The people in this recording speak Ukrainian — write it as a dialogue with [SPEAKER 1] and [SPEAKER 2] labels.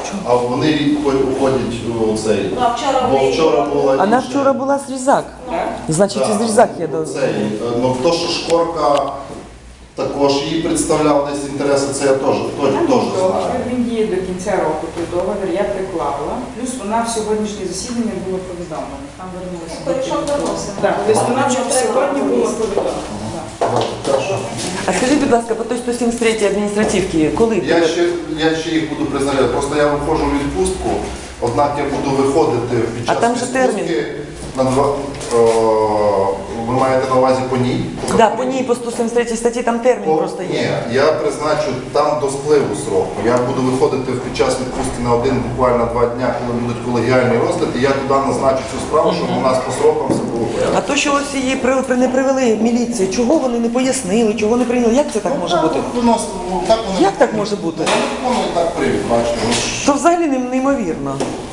[SPEAKER 1] А вони рік уходять у цей. Бо вчора була.
[SPEAKER 2] Вона вчора була Зрізак. Значить, і Зрізак є до...
[SPEAKER 1] Ну, то, що Шкорка також її представляв десь інтереси, це я теж знаю.
[SPEAKER 3] Він діє до кінця року, той договір я приклала. Плюс вона в сьогоднішнє засідання була повідомлена. Там вернулася. Так, тобто вона вже сьогодні була повідомлена.
[SPEAKER 2] А скажіть, будь ласка, по той 173 адміністративки, коли?
[SPEAKER 1] Я ще їх буду призначати. Просто я виходжу в відпустку, однак я буду виходити під час
[SPEAKER 2] там же термін.
[SPEAKER 1] на ви маєте на увазі по ній?
[SPEAKER 2] Так, по ній, по 173 статті, там термін просто є.
[SPEAKER 1] Ні, я призначу там до спливу сроку. Я буду виходити під час відпустки на буквально 2 дня, коли будуть колегіальні розгляди, і я туди назначу цю справу, щоб у нас по срокам все було порядку.
[SPEAKER 2] А то, що ось її не привели в міліцію, чого вони не пояснили, чого не прийняли, як це так може бути? Як так може бути?
[SPEAKER 1] Вони так приймуть, бачите.
[SPEAKER 2] То взагалі неймовірно.